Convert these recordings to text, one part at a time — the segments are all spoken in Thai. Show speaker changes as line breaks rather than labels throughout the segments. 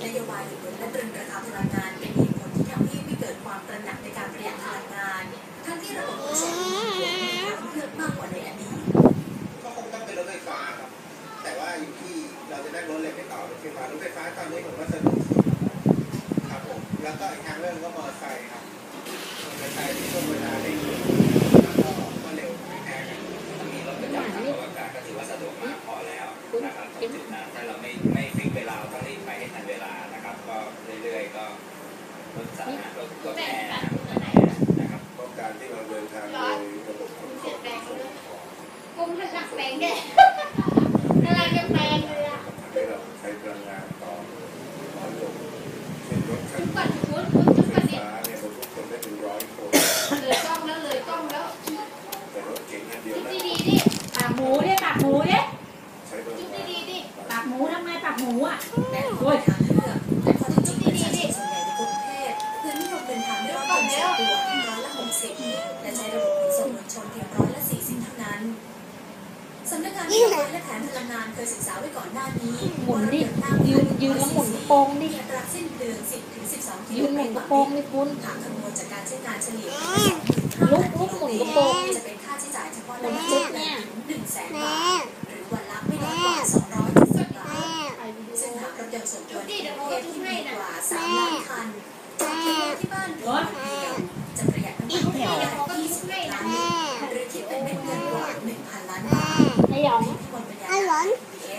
นโยบายหยุดลดและตรึงราคาพลังงานเป็นเหตุผลที่ทำให้ไม่เกิดความตระหนักในการประหยัดพลังงานทั้งที่ระบบขนส่งมีทางเลือกมากกว่าในอดีต
ก็คงต้องเป็นรถไฟฟ้าครับแต่ว่าอยู่ที่เราจะได้รถเล็กไปต่อรถไฟฟ้ตอนนี้ผมก็สะดวกครับผมแล้วก็อีกทางเรื่องก็มอเตอร์ไซค์ครับมอเตอร์ไซค์ที่ช่วงเวลาได้เร็วแล้วก็เร็วไม่แพ้กัน
มีรถประจำทางอากาศก็ถือว่าสะดวกมากพอแล้วนะครับตรงจุดนั้นถ้าเราไม่ฟิกเวลาต้องรีบไปให้ทันเวลานะครับก็เรื่อยๆก็รถสาธารณะรถแอร์นะครับ
เพราะการที่เราเดินทางโดยระบบขนส่ง
กุ้งถนัดแปลงแกอะไรจะแปลงเลยอ่ะ
ให้เราใช้พลังงานต่อน้อยลงเช่นรถคันไฟฟ้าเนี่ยบรรทุกคนได้ถึง100 คน
เลยกล้องแล้ว
แต่รถเก๋งคันเดียวนะ
ปากหมูดิใช้พลังงาน
ปากหมูทำไมปากหมูอ่ะแม่ขอทางเลือกแต่พอถึงจุดประชาชนส่วนใหญ่ในกรุงเทพเพื่อนิยมเดินทางด้วยรถยนต์ส่วนตัว60%และใช้ระบบขนส่งมวลชนเพียง40%เท่านั้นสำนักงานนโยบายและแผนพลังงานเคยศึกษาไว้ก่อนหน้านี้
หมุนดิยืนแล้วหมุนกระโปรงดิ
อัตราสิ้นเดือน10-12 กิโล
ยืนห
เม
มุนก
ตร
ระโปรงดิคุณ
หากคำนวณจากการใช้งานเฉลี่ย
ลุกหมุนกระโปรง
จะเป็นค่าใช้จ่ายเฉพาะในชุดเนี่ย100,000 บาทหรือวันละไม่น้อยกว่า270 บาทซึ่งหากรถยนต์ส่วนตัวในกรุงเทพที่มีกว่า3 ล้านคันจากที่บ้านรถเดียวจะประหยัดน้ำมันไปได้20 ล้านหรือคิดเป็นเม็ดเงินกว่า 1,000 ล้านบาท
ไอ้หยอง
อร่อย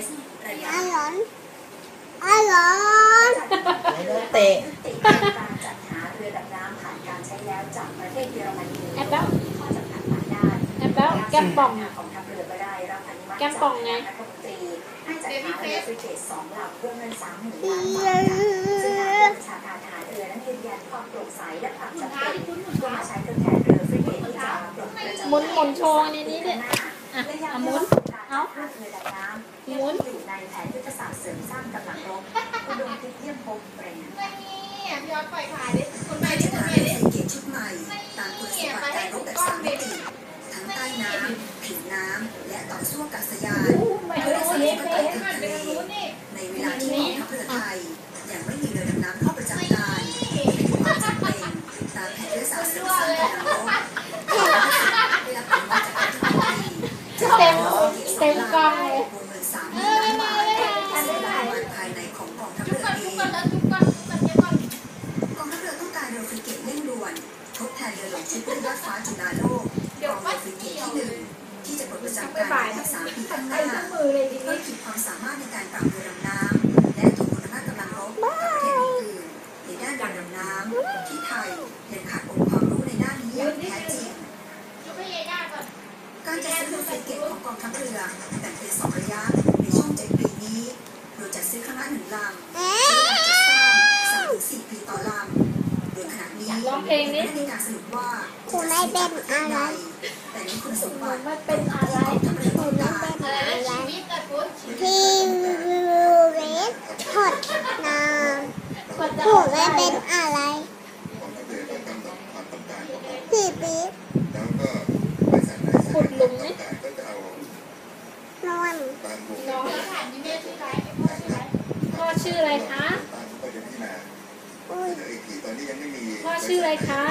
เตะ
การจัดหาเรือดำน้ำผ่านการใช้แล้วจากประเทศเยอรมนี
แอปเปิ้ล
ข้อจำกัดหลายด้าน
แก้มป่อง
ของทัพเรือก็ได้รับอนุมัติ
แก้มป่องไง
รัฐมนตรีให้จัดหาเรือฟริเกต2 ลำเพื่อเงิน30,000 ล้านบาทซึ่งนายผู้บัญชาการทหารเรือนั้นยืนยันความโปร่งใสและความจำเป็นเพื่อมาใช้ทดแทนเรือฟริเกตที่จะปลดประจำ
หมุนโชว์ในนี้ด้วยหมุนเอา
เรือดำน้ำ
หมุน
อยู่ในแผนยุทธศาสตร์เสริมสร้างกำลังรบอุดมทิพย์เยี่ยมพงษ์เปรม
ย้อนปล่อยขาดิคนใหม่
ที่
คนใหม่ดิ
เกตชุดใหม่ตามคุณสมบัติการรบแบบ3 มิติทั้งใต้น้ำผิวน้ำและต่อสู้อากาศยานเพื่อสนับสนุนการทางทะเลในเวลาที่กองทัพเรือไทยยังไม่มีเรือดำน้ำเข้าประจำการเป็นความจำเป็นตามแผนยุทธศาสตร์เสริมสร้างกำลังรบได้รับอนุมัติจากรัฐมนตรี
เต็มกองเลยว
งเงิน30,000 ล้านบาทซึ่งเป็นวันภายในของกองทัพเรือเองกองทัพเรือต้องการเรือฟริเกตเร่งด่วนทดแทนเรือหลวงชุดเรือยอดฟ้าจุฬาโลกกองเรือฟริเกตที่1ที่จะปลดประจำการใน3 ปีข้างหน้าเพื่อขีดความสามารถในการปรับเรือดำน้ำและถ่วงคุณภาพกำลังรบกับประเทศอื่นๆในด้านการดำน้ำที่ไทยยังขาดองค์ความรู้ในด้านนี้อย่างแท้จริงการจัดซื้อเรือฟริเกตของกองทัพเรือแบ่งเป็น2 ระยะในช่วง7 ปีนี้โดยจัดซื้อครั้งละ1 ลำใช้เวลาจัดสร้าง3-4 ปีต่อลำโดยขณะนี้ไม่ได้มีการสรุปว่า
คุณไม่เป็นอะไร
แต่ในคุณสมบัติ
ไม่เป็นอะไร
คุณไม่เป็นอะไร
ที่เวททอดน้ำคุณไม่เป็นอะไรที่ปี๊บขุดหลุมนี่นอนพ่อชื่ออะไรคะพ่อชื่ออะไรคะ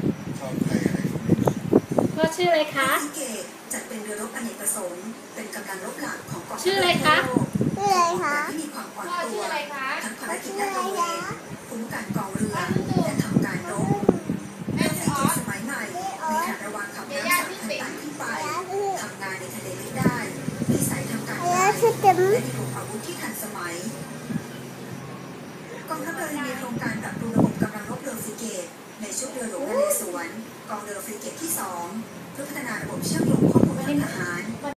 พ่อชื่ออะไรคะ
จัดเป็นเรือรบอเนกประสงค์เป็นกำลังรบหลักของกองทัพ
ชื่ออะไรคะ
ชื่ออะไรคะที่มีความอ่อนตัวทั้งภารกิจลาดตระเวนคุ้มกันกองเรือและทำการรบเรือฟริเกตสมัยใหม่มีขนาดระวางขับน้ำ3,000 ตันขึ้นไปทำงานในทะเลลึกได้มีสายทำการได้และมีกลุ่มอาวุธที่ทันสมัยกองทัพเรือมีโครงการปรับปรุงระบบกำลังรบเรือฟริเกตในชุดเรือหลวงนเรศวรกองเรือฟริเกตที่2เพื่อพัฒนาระบบเชื่อมโยงข้อมูลทางทหาร